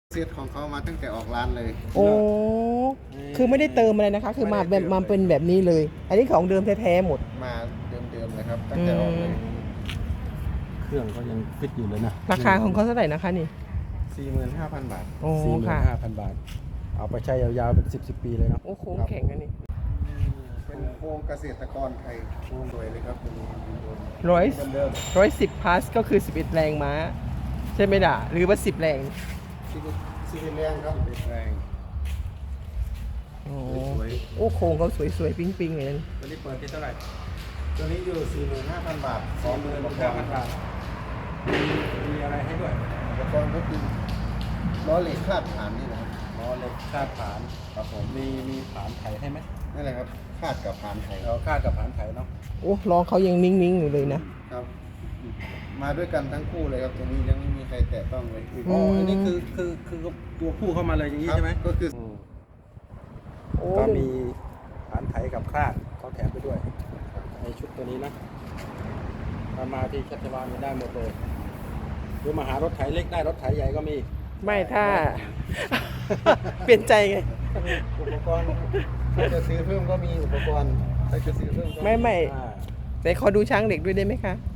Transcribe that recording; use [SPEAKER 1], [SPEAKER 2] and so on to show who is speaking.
[SPEAKER 1] เซตของเขามาตั้งแต่ออกร้านเลย
[SPEAKER 2] โอ้คือไม่ได้เติมอะไรนะคะ คือมาแบบมาเป็นแบบนี้เลย อันนี้ของเดิมแท้ๆหมด
[SPEAKER 1] มาเดิมๆเลยครับตั้งแต่ออกเลย
[SPEAKER 3] เครื่องก็ยังฟิตอยู่เลยนะ
[SPEAKER 2] ราคาของเขาเท่าไหร่นะคะนี่
[SPEAKER 1] 45,000 บาท
[SPEAKER 2] โอ้
[SPEAKER 3] 45,000
[SPEAKER 2] ค่ะ
[SPEAKER 3] บาท เอาไปใช้ยาวๆเป็น10 ปีเลยเนาะ
[SPEAKER 2] โอ้โค้งแข็งอันนี้
[SPEAKER 1] เป็นโครงเกษตรกรไทยโครงสวยเลยครับตัวนี้
[SPEAKER 2] ร้อย
[SPEAKER 1] เดิม
[SPEAKER 2] 10 พาสก็คือ 11 แรงม้า ใช่ไหมด่าหรือว่า 10 แรง
[SPEAKER 1] ซีเรียงครับเป็นแรง
[SPEAKER 2] โอ้
[SPEAKER 1] สวย
[SPEAKER 2] โอ้โค้งเขาสวยๆ ปิ๊งๆเลยนะ
[SPEAKER 3] ตัวนี้เปิดที่เท่าไหร่
[SPEAKER 1] ตัวนี้อยู่ 45,000 บาท20,000
[SPEAKER 3] 45,000 บาท มีอะไรให้ด้วย
[SPEAKER 1] อุปกรณ์ก็คือล้อเหล็กคาดฐานนี่นะครับ
[SPEAKER 3] ล้อเหล็กคาดผาน
[SPEAKER 1] ครับผม
[SPEAKER 3] มีผานไถให้ไหม
[SPEAKER 1] นั่นแหละครับคาดกับฐานไทย
[SPEAKER 3] เราคาดกับผานไถเนาะ
[SPEAKER 2] โอ้ล้อเขายังนิ่งๆอยู่เลยนะ
[SPEAKER 1] ครับ มาด้วยกันทั้งคู่เลยครับตัวนี้ยังไม่มีใครแตะต้องเลย
[SPEAKER 3] อ๋ออันนี้คือตัวคู่เข้ามาเลยอย่างนี้
[SPEAKER 1] ครับ
[SPEAKER 3] ใช่ไหม
[SPEAKER 1] ก็คือ
[SPEAKER 2] โอ้
[SPEAKER 3] ก็มีผานไถกับคาดเขาแถมไปด้วย ในชุดตัวนี้นะถ้ามาที่ชัชวาลก็ได้หมดเลยหรือมาหารถไถเล็กได้รถไถใหญ่ก็มี
[SPEAKER 2] ไม่ถ้า เปลี่ยนใจไง
[SPEAKER 1] อุปกรณ์ถ้าจะซื้อเพิ่มก็มีอุปกรณ์ถ้าจะซื้อเพิ่มก็
[SPEAKER 2] ไม่
[SPEAKER 3] อ่า
[SPEAKER 2] แต่ขอดูช้างเด็กด้วยได้ไหมคะ